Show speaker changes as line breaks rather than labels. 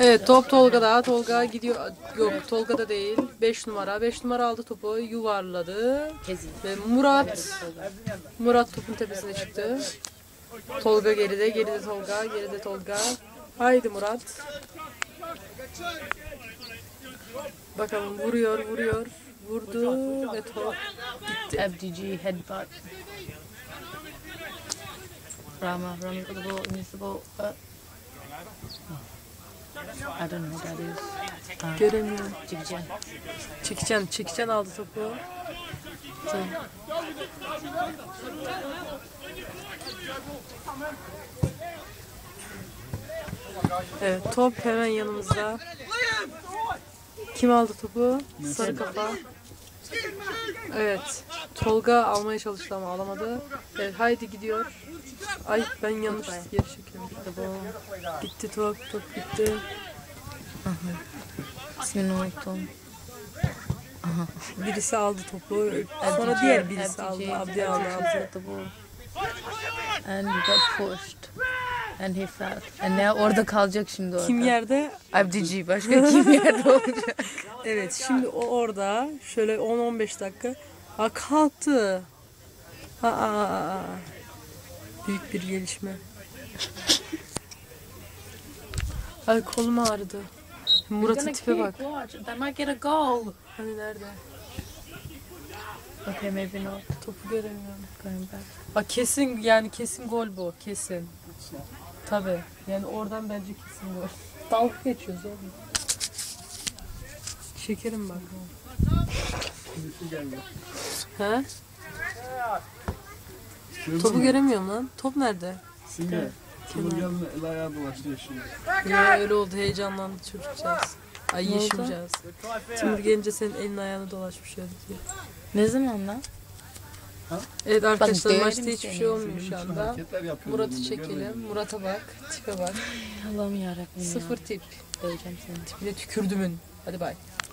Evet, top Tolga'da. Tolga gidiyor. Yok, Tolga'da değil. 5 numara. 5 numara aldı topu. Yuvarladı. Ve Murat topun tepesine çıktı. Tolga geride. Geride Tolga. Geride Tolga. Haydi Murat. Bakalım vuruyor. Vurdu ve top gitti.
FDG headbutt. Rama got the ball, missed the ball. I don't know what that is.
Göremiyorum.
Chikichen.
Çekicen aldı topu. Tamam. Evet, top hemen yanımızda. Kim aldı topu? Sarı kafa. Evet, Tolga almaya çalıştı ama alamadı. Evet, haydi gidiyor. Ay, ben yanlış yere çekiyorum. Gitti top gitti.
İsmini unuttum.
Birisi aldı topu. Sonra diğer birisi aldı. Abdi aldı.
The ball. And he got pushed. And he fell. And now orada kalacak şimdi orada.
Kim yerde?
FDG başka kim yerde olacak?
Evet, şimdi o orada şöyle 10-15 dakika. Ha, kalktı. Büyük bir gelişme. Ay, kolum ağrıdı. Murat'ın tipe bak.
They might get a goal.
Hani nerede?
Okay, maybe not.
Topu göremiyorum.
Going back.
Bak kesin gol bu. Kesin. Tabii. Yani oradan bence kesin gol. Dalga geçiyoruz oğlum. Şekerim bak. He? Topu göremiyorum lan. Top nerede?
Simge. Tolga'nın el ayağı dolaşıyor şimdi.
Ya öyle oldu. Heyecanlandı çocukcağız. Ay, yeşimcağız. Timur gelince senin elin ayağına dolaşmış öyle diye.
Ne zaman lan?
Evet arkadaşlar,
Bak,
maçta hiçbir şey olmuyor şu anda.
Hareketler yapıyor.
Murat'ı çekelim. Murat'a bak. Tipe bak.
Allah'ım yarabbim ya.
Sıfır tip.
Döveceğim seni.
Tipine tükürdümün. Hadi bay.